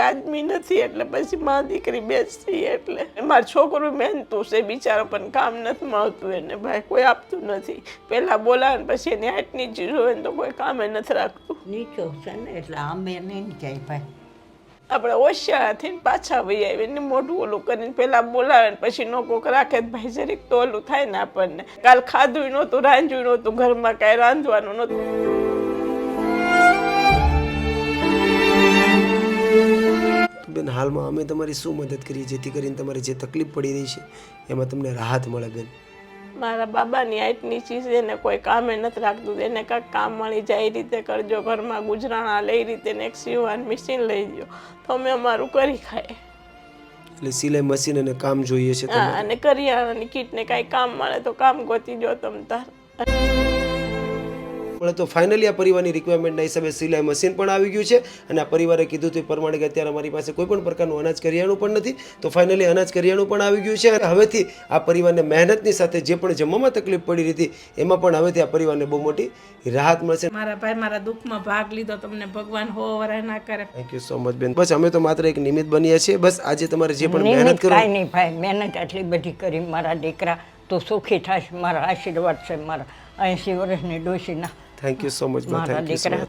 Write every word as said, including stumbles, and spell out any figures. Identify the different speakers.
Speaker 1: આદમી નથી એટલે પછી મા દીકરી બેસતી એટલે મારો છોકરો મહેનતું છે બિચારો પણ કામ નથી મળતું એને ભાઈ કોઈ આપતું નથી પહેલા બોલાવે ને પછી એની હાટની ચીજ હોય ને તો કોઈ કામે નથી રાખતું
Speaker 2: નીચો છે ને એટલે અમે નહીં જાય ભાઈ
Speaker 1: આપણે હોશિયાર થઈને પાછા વહી આવીએ ને મોઢું ઓલું કરીને પેલા બોલાવે ને પછી નો કોક રાખે ભાઈ જરીક તો ઓલું થાય ને આપણને કાલ ખાધું નહોતું રાંધ્યું નહોતું ઘરમાં કાંઈ રાંધવાનું નહોતું
Speaker 3: બેન હાલમાં અમે તમારી શું મદદ કરીએ જેથી કરીને તમારે જે તકલીફ પડી રહી છે એમાં તમને રાહત મળે બેન
Speaker 1: મારા બાબાની હાઈટની ચીજ એને કોઈ કામે નથી રાખતું એને કાંઈક કામ મળી જાય એ રીતે કરજો ઘરમાં ગુજરાણા લઈ રીતે ને એક સીવવાનું મશીન લઈ દો તો અમે અમારું કરી ખાય
Speaker 3: એટલે સિલાઈ મશીન અને કામ જોઈએ છે
Speaker 1: હા અને કરિયાણાની કીટને કાંઈ કામ મળે તો કામ ગોતી જો તમ તાર
Speaker 3: પણ તો ફાઇનલી આ પરિવારની રિક્વાયરમેન્ટના હિસાબે સિલાઈ મશીન પણ આવી ગયું છે અને આ પરિવારે કીધું તે પ્રમાણે કે અત્યારે અમારી પાસે કોઈ પણ પ્રકારનું અનાજ કરિયાણું પણ નથી તો ફાઇનલી અનાજ કરિયાણું પણ આવી ગયું છે અને હવેથી આ પરિવારને મહેનતની સાથે જે પણ જમવામાં તકલીફ પડી રહી હતી એમાં પણ હવેથી આ પરિવારને બહુ મોટી રાહત મળશે
Speaker 1: મારા ભાઈ મારા દુઃખમાં ભાગ લીધો તમને ભગવાન હો વરાય ના કરે
Speaker 3: થેન્ક યુ સો મચ બેન બસ અમે તો માત્ર એક નિમિત્ત બન્યા છીએ બસ આજે તમારે જે પણ મહેનત કરો
Speaker 2: કાંઈ નહીં ભાઈ મહેનત આટલી બધી કરી મારા દીકરા તો સુખી થશે મારા આશીર્વાદ છે મારા એંસી વર્ષની ડોશીના
Speaker 3: થેન્ક યુ સો મચ
Speaker 2: મારા દીકરા